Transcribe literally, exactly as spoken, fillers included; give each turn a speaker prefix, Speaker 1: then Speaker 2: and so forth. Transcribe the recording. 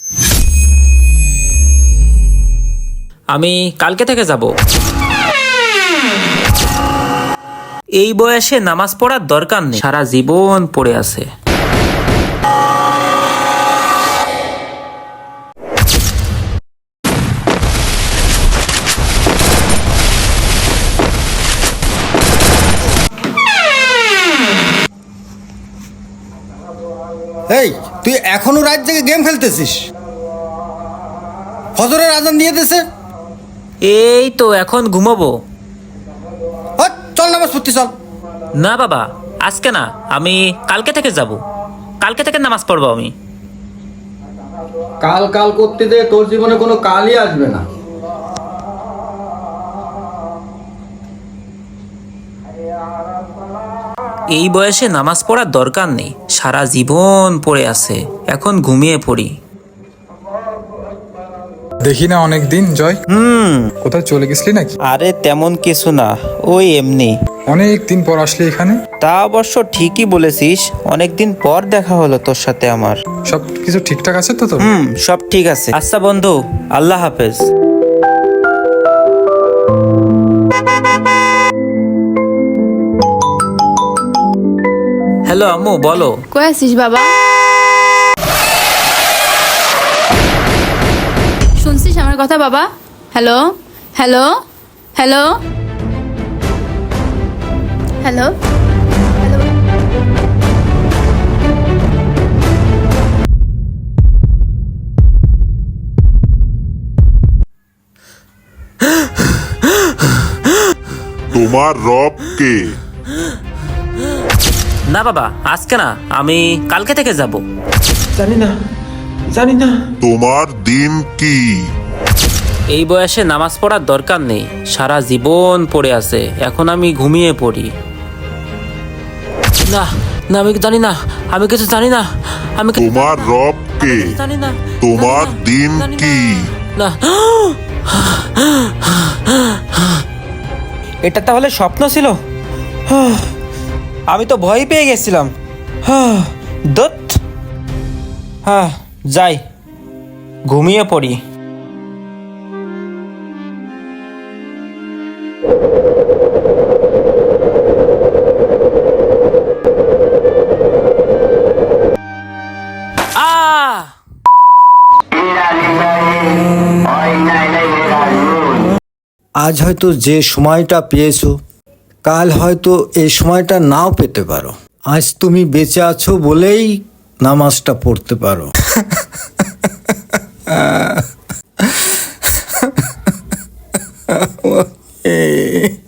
Speaker 1: আমি কালকে থেকে যাব। এই বয়সে নামাজ পড়ার দরকার নেই, সারা জীবন পড়ে আছে।
Speaker 2: এই তুই এখনো রাত জেগে গেম খেলতেছিস? ফজরের আজান দিয়ে দিয়েছে।
Speaker 1: এই তো এখন ঘুমাবো।
Speaker 2: হট, চল নামাজ পড়তে চল।
Speaker 1: না বাবা, আজকে না, আমি কালকে থেকে যাব। কালকে থেকে নামাজ পড়বো আমি।
Speaker 3: কাল কাল করতে দে, তোর জীবনে কোনো কালই আসবে না।
Speaker 1: এই বয়সে নামাজ পড়ার দরকার নেই, সারা জীবন পড়ে আছে, এখন ঘুমিয়ে পড়ি।
Speaker 4: দেখি না অনেক দিন জয়।
Speaker 1: হুম।
Speaker 4: কোথাও চলে গেছিলি নাকি?
Speaker 1: আরে তেমন কিছু না, ওই এমনি।
Speaker 4: অনেক দিন পর আসলি এখানে।
Speaker 1: তা অবশ্য ঠিকই বলেছিস, অনেকদিন পর দেখা হলো তোর সাথে আমার।
Speaker 4: সব কিছু ঠিকঠাক আছে তো তোর?
Speaker 1: হুম, সব ঠিক আছে। আচ্ছা বন্ধু, আল্লাহ হাফেজ। হ্যালো আম্মু, বলো।
Speaker 5: কই আছিস বাবা? শুনছিস আমার কথা বাবা? Hello hello hello hello hello.
Speaker 6: তোমার রব কে?
Speaker 1: না বাবা, আজকে না, আমি কালকে থেকে যাব।
Speaker 7: জানি না, জানি না।
Speaker 6: তোমার দিন কি?
Speaker 1: এই বয়সে নামাজ পড়ার দরকার নেই, সারা জীবন পড়ে আছে, এখন আমি ঘুমিয়ে পড়ি। না না, আমি জানি না, আমি কিছু জানি না, আমি কিছু
Speaker 6: তোমার রব কে?
Speaker 1: জানি না।
Speaker 6: তোমার দিন
Speaker 1: জানি না।
Speaker 6: কি?
Speaker 1: না, এটা তাহলে স্বপ্ন ছিল? আমি তো ভয় পেয়ে গেছিলাম। দত্ত, হ্যাঁ যাই, ঘুমিয়ে পড়ি। আহ
Speaker 2: আজ হয়তো যে সময়টা পেয়েছো, কাল হয়তো এই সময়টা নাও পেতে পারো। আজ তুমি বেঁচে আছো বলেই নামাজটা পড়তে পারো।